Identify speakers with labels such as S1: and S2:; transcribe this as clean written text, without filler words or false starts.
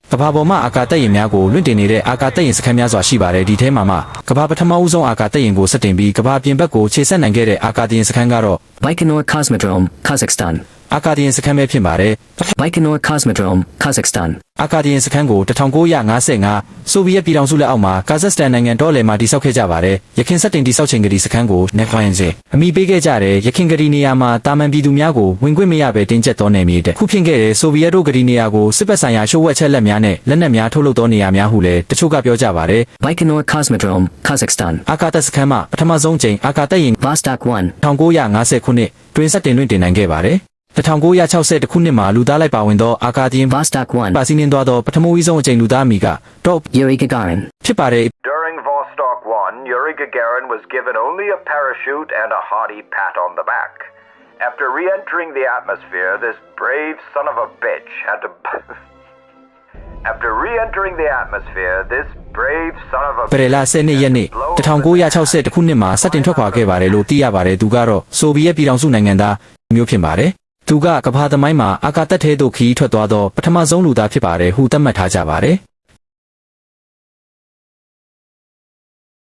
S1: ကဘာပေါ်မှာအာကာတက်ရင်များကိုလွင့်တင်နေတဲ့အာကာတက်ရင်စခန်းများစွာရှိပါတယ်ဒီထဲမှာကဘာပထမဦးဆုံးအာကာတက်ရင်ကိုစတင်ပြီးကဘာပြင်ဘက်ကိုခြေဆက်နိုင်ခဲ့တဲ့အာကာတင်စခန်းကတော့
S2: Baikonur Cosmodrome, Kazakhstan.
S1: အာကာတင်စခန်းပဲဖြစ်ပါတယ်
S2: Baikonur Cosmodrome, Kazakhstan.
S1: အာကာတင်စခန်းကို1955ဆိုဗီယက်ပြည်ထောင်စုလက်အောက်မှာကာဇက်စတန်နိုင်ငံတော်လယ်မှာတည်ဆောက်ခဲ့ကြပါတယ်ရခိုင်စက်တင်တည်ဆောက်ချိန်ကလေးစခန်းကိုနေခွိုင်းစေအမိပေးခဲ့ကြတယ်ရခိုင်ကလေးနေရာမှာတာမန်ပြည်သူများကိုဝင်ခွင့်မရဘဲတင်းကျပ်သောနယ်မြေတဲ့ခုဖြစ်ခဲ့တဲ့ဆိုဗီယက်တို့ကလေးနေရာကိုစစ်ပတ်ဆိုင်ရာရှို့ဝှက်ချက်လက်များနဲ့လက်နက်များထုတ်လုပ်သောနေရာများဟုလည်းတချို့ကပြောကြပါတယ်
S2: Baikonur Cosmodrome, Kazakhstan.
S1: အာကာတက်စခန်းမှာပထမဆုံးချိန်အာကာတက်ရင်
S2: Vostok 1.
S1: 1950ခုနှစ်တွင်စတင်လွင့်တင်နိုင်ခဲ့ပါတယ်1960ခုနှစ်မှာလူသားလိုက်ပါဝင်သောအာကာတင်
S2: Vostok 1.
S1: ပါစီးနှင်းသွားသောပထမဦးဆုံးအကြိမ်လူသားအမီကတော့
S2: Yuri Gagarin.
S1: ဖြစ်ပါတယ်
S3: During Vostok 1, Yuri Gagarin was given only a parachute and a hearty pat on the back. After re-entering the atmosphere, this brave son of a bitch had to... After re-entering the atmosphere, this brave son of a
S1: ပရလာ10နှစ်ရက်နေ့1960ခုနှစ်မှာစတင်ထွက်ခွာခဲ့ပါတယ်လို့သိရပါတယ်သူကတော့ဆိုဗီယက်ပြည်ထောင်စုနိုင်ငံသားမျိုးဖြစ်ပါတယ်သူကကမ္ဘာသမိုင်းမှာအာကာတက်ထဲသို့ခရီးထွက်သွားသောပထမဆုံးလူသားဖြစ်ပါတယ်ဟုသတ်မှတ်ထားကြပါတယ်